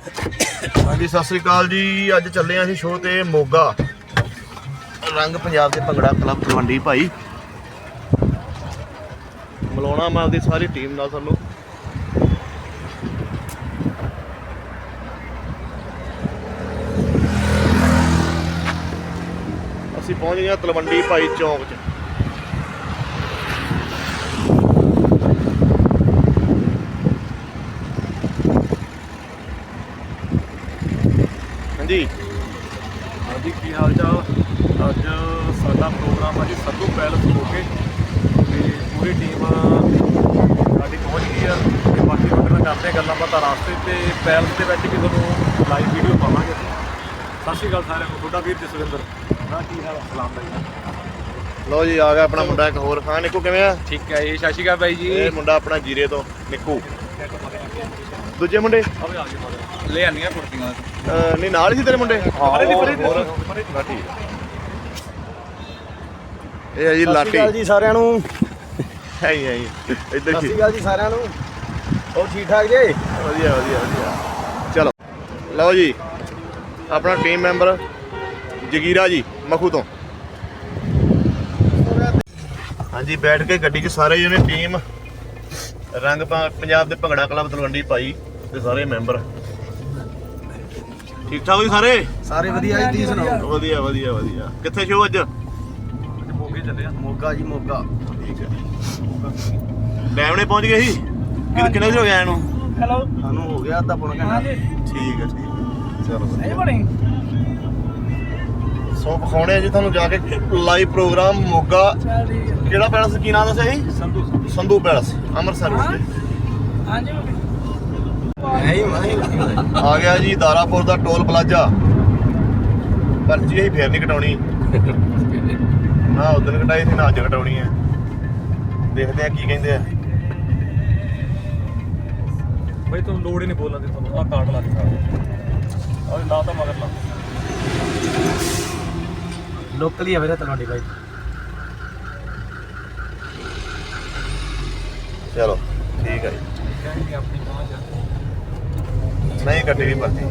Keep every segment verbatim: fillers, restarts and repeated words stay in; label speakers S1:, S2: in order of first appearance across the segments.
S1: हाँ जी सत श्री अकाल जी। अज चले अं शो ते मोगा रंग पंजाब के भंगड़ा क्लब तलवंडी भाई मिलाना मैं आपकी सारी टीम नाल सानू असीं पहुँच गए तलवंडी भाई चौक च। जी
S2: हाँ जी की हाल चाल। अज साडा प्रोग्राम है जी संधू पैलेस हो के पूरी टीम साडी पहुँच गई है। बाकी उन्होंने करते हैं गल्लां बातां रास्ते ते पैलेस के भी तुहानूं लाइव वीडियो पावांगे। सत श्री अकाल सारिਆਂ ਨੂੰ। ਤੁਹਾਡਾ ਵੀਰ ਜਸਵਿੰਦਰ ना की हाल सलाम भाई।
S1: लो जी आ गया अपना मुंडा एक होर। हाँ निक्कू किवें आ?
S2: ठीक है जी सत श्री अकाल भाई जी।
S1: ये मुंडा अपना जीरे तो निक्कू दूजे मुंडे
S2: ले आनियां कुर्तियां
S1: नहीं नाल ही तेरे मुंडे। हाँ ठीक ਇਹ ਹੈ ਜੀ ਲਾਟੀ।
S3: ਸਤਿ ਸ਼੍ਰੀ ਅਕਾਲ ਜੀ ਸਾਰਿਆਂ ਨੂੰ।
S1: ਹੈ ਹੀ ਹੈ ਜੀ ਇੱਧਰ
S3: ਸਤਿ ਸ਼੍ਰੀ ਅਕਾਲ ਜੀ ਸਾਰਿਆਂ ਨੂੰ। ਹੋਰ ਠੀਕ ਠਾਕ ਜੀ?
S1: ਵਧੀਆ ਵਧੀਆ ਵਧੀਆ। ਚਲੋ ਲਓ ਜੀ ਆਪਣਾ ਟੀਮ ਮੈਂਬਰ ਜਗੀਰਾ ਜੀ ਮਖੂ ਤੋਂ। ਹਾਂਜੀ ਬੈਠ ਕੇ ਗੱਡੀ 'ਚ ਸਾਰੇ ਜਣੇ ਟੀਮ ਰੰਗ ਪੰਜਾਬ ਦੇ ਭੰਗੜਾ ਕਲੱਬ ਤਲਵੰਡੀ ਭਾਈ ਦੇ ਸਾਰੇ ਮੈਂਬਰ ਠੀਕ ਠਾਕ ਜੀ ਸਾਰੇ
S3: ਸਾਰੇ ਵਧੀਆ ਜੀ। ਤੁਸੀਂ ਸੁਣਾਓ?
S1: ਵਧੀਆ ਵਧੀਆ ਵਧੀਆ। ਕਿੱਥੇ ਸ਼ੋ ਅੱਜ?
S2: ਮੋਗੇ ਚੱਲੇ ਆ।
S3: ਮੋਗਾ ਜੀ ਮੋਗਾ।
S1: ਠੀਕ ਹੈ ਡੈਮ ਨੇ ਪਹੁੰਚ ਗਏ ਸੀ ਕਿ ਕਿੰਨੇ ਦਿਨ ਹੋ ਗਿਆ ਇਹਨੂੰ?
S3: ਹੈਲੋ ਸਾਨੂੰ ਹੋ ਗਿਆ ਅੱਧਾ ਪੌਣਾ ਘੰਟਾ।
S1: ਠੀਕ ਹੈ ਠੀਕ ਹੈ ਚਲੋ ਸੋ ਵਿਖਾਉਣੇ ਆ ਜੀ ਤੁਹਾਨੂੰ ਜਾ ਕੇ ਲਾਈਵ ਪ੍ਰੋਗਰਾਮ ਮੋਗਾ। ਕਿਹੜਾ ਪੈਲਸ ਕੀ ਨਾਮ ਦੱਸਿਆ ਸੀ?
S2: ਸੰਧੂ
S1: ਸੰਧੂ ਪੈਲਸ ਅੰਮ੍ਰਿਤਸਰ ਵਿੱਚ। ਆ ਗਿਆ ਜੀ ਦਾਰਾਪੁਰ ਦਾ ਟੋਲ ਪਲਾਜ਼ਾ। ਪਰਚੀ ਅਸੀਂ ਫੇਰ ਨਹੀਂ ਕਟਾਉਣੀ ਨਾ ਉਦੋਂ ਕਟਾਈ ਸੀ ਨਾ ਅੱਜ ਕਟਾਉਣੀ ਹੈ। ਦੇਖਦੇ ਆ ਕੀ ਕਹਿੰਦੇ ਆ।
S2: भाई तुम लोड़ ही नहीं बोलने दी तुहानूं। आ कार्ड ला दिखा और ला तो मगर ला
S3: ਲੋਕਲ ਹੀ ਆ ਵੀਰੇ ਤਲਵੰਡੀ ਭਾਈ।
S1: ਚਲੋ ਠੀਕ ਹੈ ਜੀ।
S2: कहेंगे अपनी पहुंच
S1: ਨਹੀਂ ਕੱਟੀ ਵੀ ਪਰਚੀ।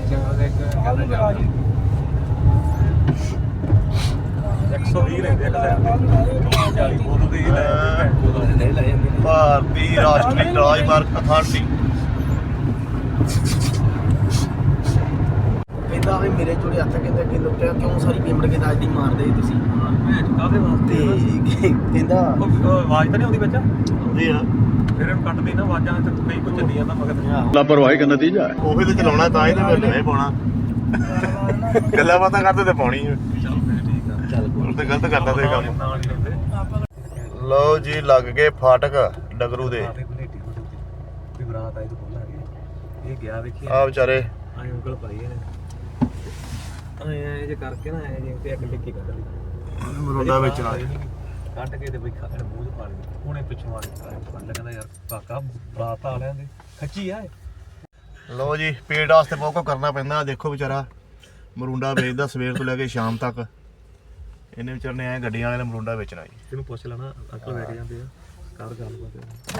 S2: एक सौ बीस लेंदे एक साइड ते चालीस बोतल दी ले
S3: ਨਹੀਂ ਲੈ ਜਾਂਦੇ।
S1: ਭਾਰਤੀ ਰਾਸ਼ਟਰੀ ਰਾਜਮਾਰਗ ਅਥਾਰਟੀ।
S3: ਕਹਿੰਦਾ ਵੀ ਮੇਰੇ ਜੋੜੇ ਹੱਥ ਕਹਿੰਦਾ ਕਿ ਲੁੱਟਿਆ ਕਿਉਂ ਸਾਰੀ ਪੇਮੈਂਟ ਕਿਦਾਂ ਅੱਜ ਦੀ ਮਾਰਦੇ ਤੁਸੀਂ?
S2: मैं कादे वास्ते
S3: ਤੇ ਕਹਿੰਦਾ
S2: आवाज तो नहीं आउंदी बच्चा
S1: ਹੁੰਦੀ ਆ
S2: फिर हम कटदी ना आवाजां ते कई कुछ चली जांदा मगर
S1: ਲਾਪਰਵਾਹੀ ਦਾ ਨਤੀਜਾ ਉਹੀ ਤੇ ਚਲਾਉਣਾ ਤਾਂ ਹੀ ਤੇ ਫਿਰ ਨਹੀਂ ਪਾਉਣਾ। ਗੱਲਾਂ ਬਾਤਾਂ ਕਰਦੇ ਤੇ ਪਾਉਣੀ ਹੈ।
S2: चल फिर ठीक है
S3: ਚੱਲ
S1: ਹੁਣ ਤੇ ਗਲਤ ਕਰਦਾ ਤੇ ਕੰਮ।
S2: ना नहीं रहंदे
S1: ਲਓ ਜੀ ਲੱਗ ਗਏ ਫਾਟਕ ਡਗਰੂ ਦੇ।
S2: भी बरात आई तो बोला ये गया देखिए
S1: ਆ ਵਿਚਾਰੇ
S2: ਆਏ ਉਂਗਲ ਪਾਈ ਇਹਨੇ ਆਏ ਆਏ ਜੇ ਕਰਕੇ ਨਾ ਆਏ ਜੇ ਤੇ ਇੱਕ ਟਿੱਕੀ ਕੱਢ ਲਈ
S1: ਮਰੋਂਡਾ ਵਿੱਚ ਨਾਲ
S2: ਕੱਢ ਕੇ ਤੇ ਬਈ ਖਾਣੇ ਮੂੰਹ 'ਚ ਪਾ ਲਈ। ਉਹਨੇ ਪਿੱਛੋਂ ਆ ਕੇ ਫੜ ਲਿਆ ਕਹਿੰਦਾ ਯਾਰ ਕਾਕਾ ਬਰਾਤ ਆ ਲਿਆਂ ਦੇ ਖੱਚੀ ਆ।
S1: ਲਓ ਜੀ ਪੇਟ ਵਾਸਤੇ ਬਹੁਤ ਕੁਝ ਕਰਨਾ ਪੈਂਦਾ। ਦੇਖੋ ਵਿਚਾਰਾ ਮਰੂੰਡਾ ਵੇਚਦਾ ਸਵੇਰ ਤੋਂ ਲੈ ਕੇ ਸ਼ਾਮ ਤੱਕ। ਇਹਨੇ ਵਿਚਾਰੇ ਨੇ ਐ ਗੱਡੀਆਂ ਵਾਲੇ ਨੇ ਮਰੂੰਡਾ ਵੇਚਣਾ ਜੀ।
S2: ਤੈਨੂੰ ਪੁੱਛ ਲੈਣਾ ਅੰਕਲ ਲੈ ਕੇ ਜਾਂਦੇ ਆ ਕਰ ਗੱਲਬਾਤ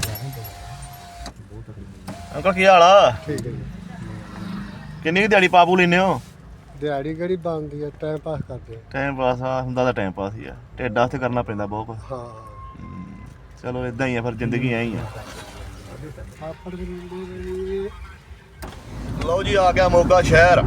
S2: ਬਹੁਤ ਤਕਲੀਫ।
S1: ਅੰਕਲ ਕੀ ਹਾਲ ਆ?
S4: ਠੀਕ ਹੈ ਜੀ।
S1: ਕਿੰਨੀ ਕੁ ਦਿਹਾੜੀ ਪਾਪੂ ਲੈਨੇ ਹੋ?
S4: ਦਿਹਾੜੀ ਕਿਹੜੀ ਬਣਦੀ ਹੈ, ਟਾਈਮ ਪਾਸ ਕਰਦੇ ਆ।
S1: ਟਾਈਮ ਪਾਸ ਆ ਹੁੰਦਾ ਤਾਂ ਟਾਈਮ ਪਾਸ ਹੀ ਆ। ਢਿੱਡ ਵਾਸਤੇ ਕਰਨਾ ਪੈਂਦਾ ਬਹੁਤ ਕੁਝ।
S4: ਹਾਂ
S1: ਚਲੋ ਇਦਾਂ ਹੀ ਆ ਫਿਰ ਜ਼ਿੰਦਗੀ ਐਂ ਹੀ ਆ।
S4: ਆਪੜ ਦੇ
S1: ਲਓ ਜੀ ਆ ਗਿਆ ਮੋਗਾ ਸ਼ਹਿਰ।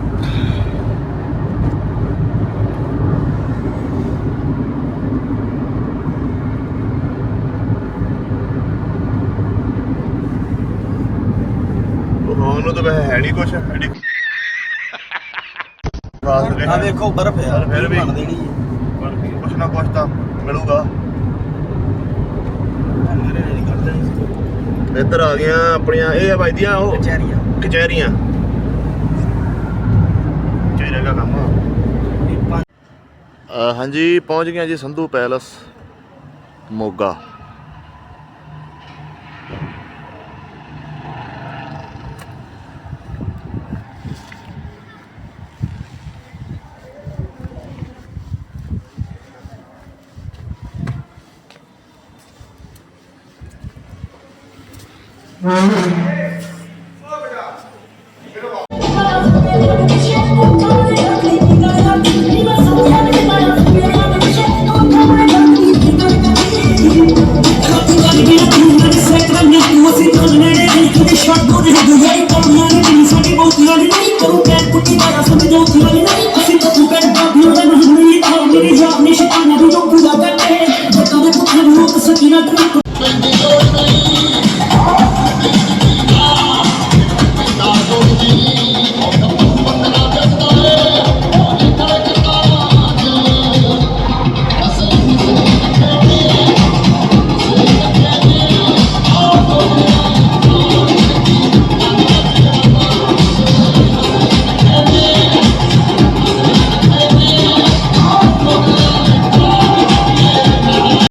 S1: ਉਹਨੂੰ ਤਾਂ ਵੈਸੇ ਹੈ ਨਹੀਂ ਕੁਛ ਐਡੀ
S3: ਆ ਦੇਖੋ ਬਰਫ਼ ਯਾਰ
S1: ਫਿਰ ਵੀ
S3: ਬਣ ਦੇਣੀ ਹੈ।
S1: ਕੁਛ ਨਾ ਕੁਛ ਤਾਂ ਮਿਲੂਗਾ।
S3: ਮੇਰੇ ਨੇ ਨਹੀਂ ਕੱਢ ਦੇਣੀ ਸੀ
S1: ਇੱਧਰ ਆ ਗਈਆਂ ਆਪਣੀਆਂ ਇਹ ਵੱਜਦੀਆਂ ਉਹ
S3: ਕਚਹਿਰੀਆਂ
S1: ਕਚਹਿਰੀਆਂ। ਕਚਹਿਰੀਆਂ ਦਾ ਕੰਮ ਆ। ਹਾਂਜੀ ਪਹੁੰਚ ਗਏ ਜੀ Sandhu palace Moga.
S5: Oh, Shot go to the